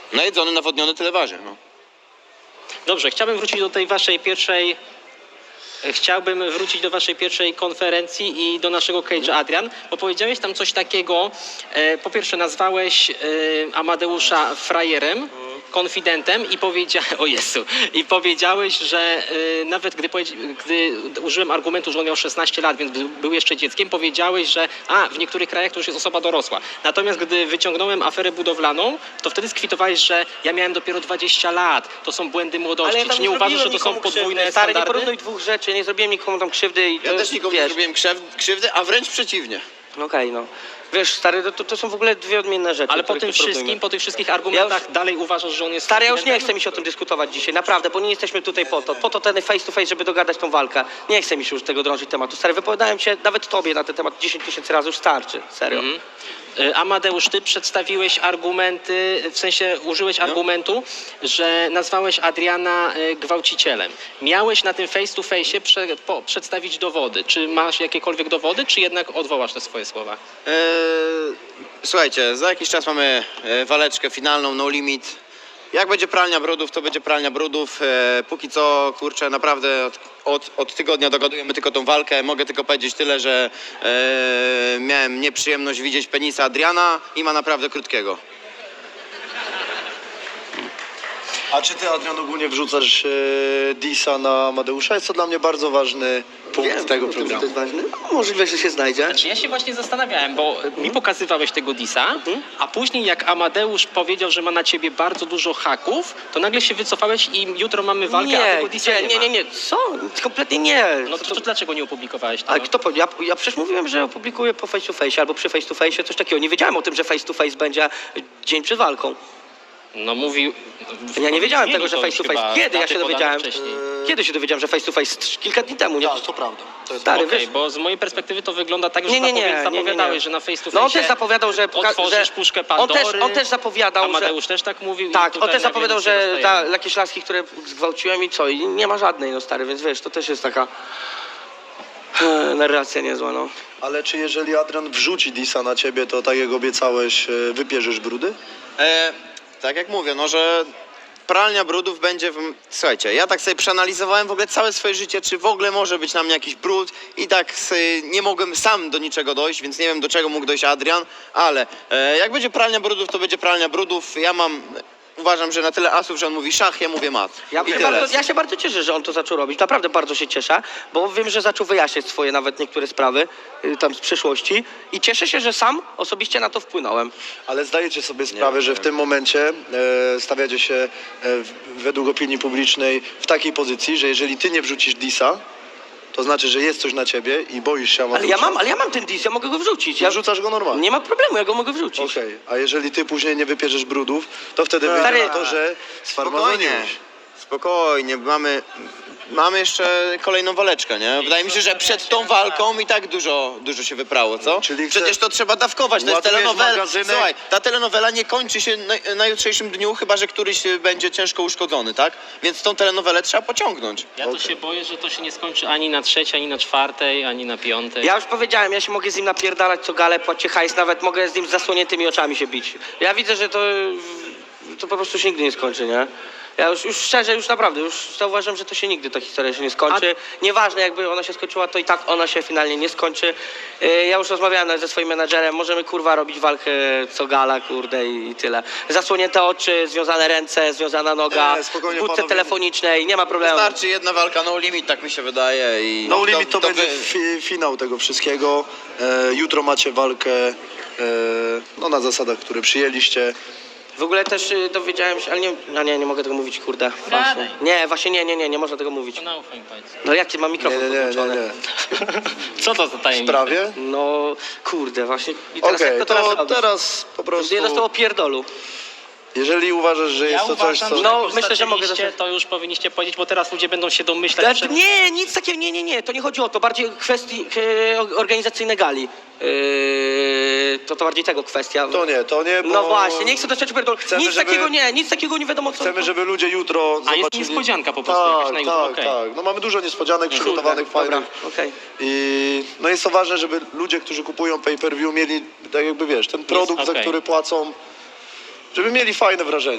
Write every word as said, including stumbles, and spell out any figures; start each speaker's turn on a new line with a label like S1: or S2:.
S1: Najedzony, nawodniony, tyle waży. No.
S2: Dobrze, chciałbym wrócić do tej waszej pierwszej... Chciałbym wrócić do waszej pierwszej konferencji i do naszego cage'a, Adrian, bo powiedziałeś tam coś takiego, e, po pierwsze nazwałeś e, Amadeusza frajerem, konfidentem i powiedziałeś, o Jezu, i powiedziałeś, że e, nawet gdy, gdy użyłem argumentu, że on miał szesnaście lat, więc był, był jeszcze dzieckiem, powiedziałeś, że a, w niektórych krajach to już jest osoba dorosła. Natomiast gdy wyciągnąłem aferę budowlaną, to wtedy skwitowałeś, że ja miałem dopiero dwadzieścia lat, to są błędy młodości.
S3: Ale ja
S2: Czy nie uważasz, że to są
S3: nikomu
S2: podwójne
S3: krzywdy. Stary,
S2: standardy?
S3: nie porównuj dwóch rzeczy, nie zrobiłem nikomu tam krzywdy. I
S1: Ja
S3: to,
S1: też nikomu
S3: wiesz,
S1: nie zrobiłem krzew- krzywdy, a wręcz przeciwnie.
S3: Okej, no. Wiesz, stary, to, to są w ogóle dwie odmienne rzeczy.
S2: Ale po
S3: których
S2: tym
S3: nie porównujmy.
S2: wszystkim, po tych wszystkich argumentach
S3: Ja już-
S2: dalej uważasz, że on jest...
S3: Stary, ja już nie
S2: konfidentem?
S3: chcę mi się o tym dyskutować dzisiaj, naprawdę, bo nie jesteśmy tutaj po to. Po to ten face to face, żeby dogadać tą walkę. Nie chcę mi się już tego drążyć tematu. Stary, wypowiadałem się nawet tobie na ten temat dziesięć tysięcy razy, już starczy, serio.
S2: Mhm. Y, Amadeusz, ty przedstawiłeś argumenty, w sensie użyłeś argumentu, że nazwałeś Adriana y, gwałcicielem. Miałeś na tym face to face prze, po, przedstawić dowody. Czy masz jakiekolwiek dowody, czy jednak odwołasz te swoje słowa?
S1: Eee, słuchajcie, za jakiś czas mamy e, waleczkę finalną, no limit. Jak będzie pralnia brudów, to będzie pralnia brudów. E, póki co, kurczę, naprawdę od, od, od tygodnia dogadujemy tylko tą walkę. Mogę tylko powiedzieć tyle, że e, miałem nieprzyjemność widzieć penisa Adriana i ma naprawdę krótkiego.
S4: A czy ty, Adrian, ogólnie wrzucasz e, disa na Amadeusza? Jest to dla mnie bardzo ważny punkt
S3: Wiem,
S4: tego
S3: że to
S4: programu.
S3: jest ważne. No, możliwe, że się znajdzie.
S2: Znaczy ja się właśnie zastanawiałem, bo mi pokazywałeś tego disa, a później jak Amadeusz powiedział, że ma na ciebie bardzo dużo haków, to nagle się wycofałeś i jutro mamy walkę, a
S3: Nie,
S2: tego disa
S3: gdzie?
S2: nie,
S3: nie,
S2: ma.
S3: nie, nie, co? Kompletnie nie.
S2: No to, to dlaczego nie opublikowałeś tego?
S3: Ale kto powiedział? Ja, ja przecież mówiłem, że opublikuję po face to face albo przy face to face coś takiego. Nie wiedziałem o tym, że face to face będzie dzień przed walką.
S2: No mówił...
S3: Ja nie wiedziałem tego,
S2: Mieli
S3: że
S2: to
S3: face to
S2: już chyba
S3: face. Kiedy ja
S2: daty
S3: się
S2: podane
S3: dowiedziałem?
S2: wcześniej.
S3: Kiedy się dowiedziałem, że face to face? Trz- Kilka dni temu, nie?
S4: Tak, to prawda. To jest
S3: Stary,
S2: Okej,
S3: wiesz,
S2: bo z mojej perspektywy to wygląda tak, że
S3: Nie, nie, nie,
S2: zapowi-
S3: nie, nie, nie.
S2: zapowiadałeś, że na face to face
S3: no on też zapowiadał, że... poka-
S2: otworzysz
S3: że
S2: puszkę
S3: on też,
S2: Pandory.
S3: on też zapowiadał, że...
S2: Amadeusz też tak mówił. i
S3: Tak, on
S2: tutaj
S3: też
S2: nagle
S3: zapowiadał,
S2: nic nie
S3: że ta,
S2: dostajemy.
S3: jakieś laski, które zgwałciłem i co? I nie ma żadnej, no stary, więc wiesz, to też jest taka... e, narracja niezła, no.
S4: Ale czy jeżeli Adrian wrzuci disa na ciebie, to tak jak obiecałeś, e, wypierzesz brudy?
S1: E, tak jak mówię, no że pralnia brudów będzie... W... Słuchajcie, ja tak sobie przeanalizowałem w ogóle całe swoje życie, czy w ogóle może być na mnie jakiś brud i tak sobie nie mogłem sam do niczego dojść, więc nie wiem, do czego mógł dojść Adrian, ale e, jak będzie pralnia brudów, to będzie pralnia brudów. Ja mam... Uważam, że na tyle asów, że on mówi szach, ja mówię mat.
S3: Ja,
S1: I
S3: się
S1: tyle.
S3: bardzo, ja się bardzo cieszę, że on to zaczął robić. Naprawdę bardzo się cieszę, bo wiem, że zaczął wyjaśniać swoje nawet niektóre sprawy y, tam z przeszłości i cieszę się, że sam osobiście na to wpłynąłem.
S4: Ale zdajecie sobie sprawę, że w tym momencie e, stawiacie się e, w, według opinii publicznej w takiej pozycji, że jeżeli ty nie wrzucisz disa, to znaczy, że jest coś na ciebie i boisz się
S3: Ale
S4: Amadeusza.
S3: ja mam, ale ja mam ten dis, ja mogę go wrzucić. Ja,
S4: Ja rzucasz go normalnie.
S3: nie ma problemu, ja go mogę wrzucić.
S4: Okej, a jeżeli ty później nie wypierzesz brudów, to wtedy wyjdzie
S3: Stary-
S4: na to, że
S1: Spokojnie,
S4: sfarmazoniłeś.
S1: spokojnie, mamy, mamy jeszcze kolejną waleczkę, nie? Wydaje mi się, że przed tą walką i tak dużo, dużo się wyprało, co?
S4: Czyli
S1: Przecież
S4: chcesz-
S1: to trzeba dawkować, to jest
S4: Ładujesz
S1: telenowela.
S4: magazynek?
S1: Słuchaj, ta telenowela nie kończy się na, na jutrzejszym dniu, chyba że któryś będzie ciężko uszkodzony, tak? Więc tą telenowelę trzeba pociągnąć.
S2: Ja to
S4: Okej.
S2: się boję, że to się nie skończy ani na trzeciej, ani na czwartej, ani na piątej.
S3: Ja już powiedziałem, ja się mogę z nim napierdalać co galę, płacić hajs, nawet mogę z nim z zasłoniętymi oczami się bić. Ja widzę, że to, to po prostu się nigdy nie skończy, nie? Ja już, już szczerze, już naprawdę, już zauważyłem, że to się nigdy ta historia się nie skończy. Nieważne jakby ona się skończyła, to i tak ona się finalnie nie skończy. Yy, Ja już rozmawiałem nawet ze swoim menadżerem, możemy kurwa robić walkę co gala, kurde i, i tyle. Zasłonięte oczy, związane ręce, związana noga,
S4: Nie,
S3: w
S4: spokojnie,
S3: budce
S4: panowie.
S3: telefonicznej, nie ma problemu.
S1: Wystarczy jedna walka, no limit, tak mi się wydaje. I
S4: No limit to, będzie
S1: wy-
S4: fi, finał tego wszystkiego. E, jutro macie walkę e, no, na zasadach, które przyjęliście.
S3: W ogóle też y, dowiedziałem się, ale nie, no nie, nie mogę tego mówić, kurde. Właśnie.
S2: Gadaj.
S3: Nie, właśnie nie, nie, nie, nie można tego mówić.
S2: To naufaj mi powiedz.
S3: No jak ty mam
S4: Nie,
S3: mikrofon
S4: nie, nie, nie,
S3: podłączony?
S4: nie.
S2: Co to za
S4: W
S2: tajemnica?
S4: sprawie?
S3: No kurde, właśnie. I teraz
S4: Okej,
S3: jak to teraz
S4: to
S3: robisz?
S4: teraz po prostu,
S3: Nie dostało pierdolu.
S4: jeżeli uważasz, że
S2: Ja
S4: jest to coś,
S2: uważam,
S4: co...
S2: że
S3: No,
S2: jak
S3: myślę, że mogę
S2: zaczęliście,
S3: dostać-
S2: to już powinniście powiedzieć, bo teraz ludzie będą się domyślać.
S3: Ale
S2: przed-
S3: nie, nic takiego, nie, nie, nie, to nie chodzi o to, bardziej kwestii e, organizacyjne gali. Yy, to to bardziej tego kwestia.
S4: To nie, to nie, bo
S3: No właśnie, nie chcę dostać pierdolu.
S4: Chcemy,
S3: Nic
S4: żeby-
S3: takiego nie, nic takiego nie wiadomo co.
S4: chcemy, żeby ludzie jutro
S2: A
S4: zobaczyli...
S2: jest niespodzianka po prostu jakaś
S4: Tak,
S2: na YouTube,
S4: tak,
S2: okej.
S4: tak. No mamy dużo niespodzianek przygotowanych,
S3: Dobra,
S4: fajnych.
S3: okej.
S4: I no jest to ważne, żeby ludzie, którzy kupują pay-per-view mieli, tak jakby wiesz, ten produkt, za
S2: okej.
S4: który płacą, żeby mieli fajne wrażenie.